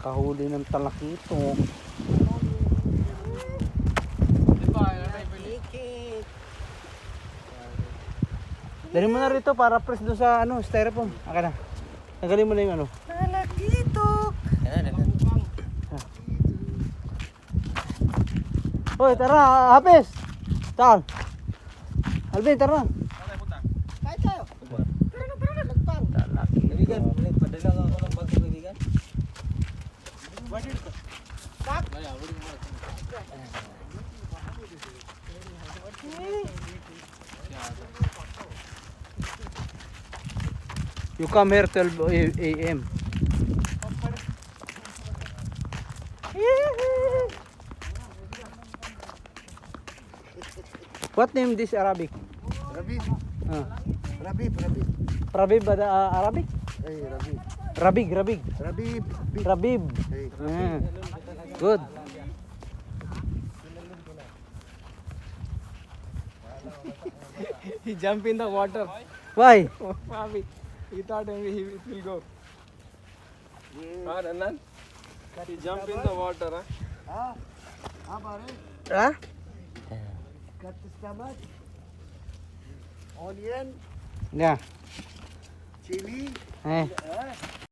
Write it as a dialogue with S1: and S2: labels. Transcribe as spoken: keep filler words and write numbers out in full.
S1: Nakahuli ng talakito. Dali mo na rito para press doon sa ano, styrofoam. Aka na. Tanggalin mo na yung ano.
S2: Talakito.
S1: Hoy, tara, Hapes. Tal. Alvin, tara.
S2: Kahit tayo. Pero na, pero na, nagpang.
S3: Kaibigan, padala ka ako ng bago, kaibigan.
S2: Bak.
S1: You come here twelve A M What name this Arabic?
S2: Rabib.
S1: Ah.
S2: Rabib, Rabib.
S1: Rabib ba da, uh, Arabic?
S2: Hey, Rabib.
S1: Rabig, Rabig.
S2: Rabib.
S1: Rabib.
S2: Hey.
S1: Ah. Good.
S3: He jumped in the water.
S1: Why?
S3: Mavi, he thought maybe he it will go. Ah, Nanan? He jumped in the water, huh?
S2: Ah, ah, pare.
S1: Ah?
S2: Cut the stomach. Onion,
S1: Yeah.
S2: chili.
S1: Eh.
S2: Ah.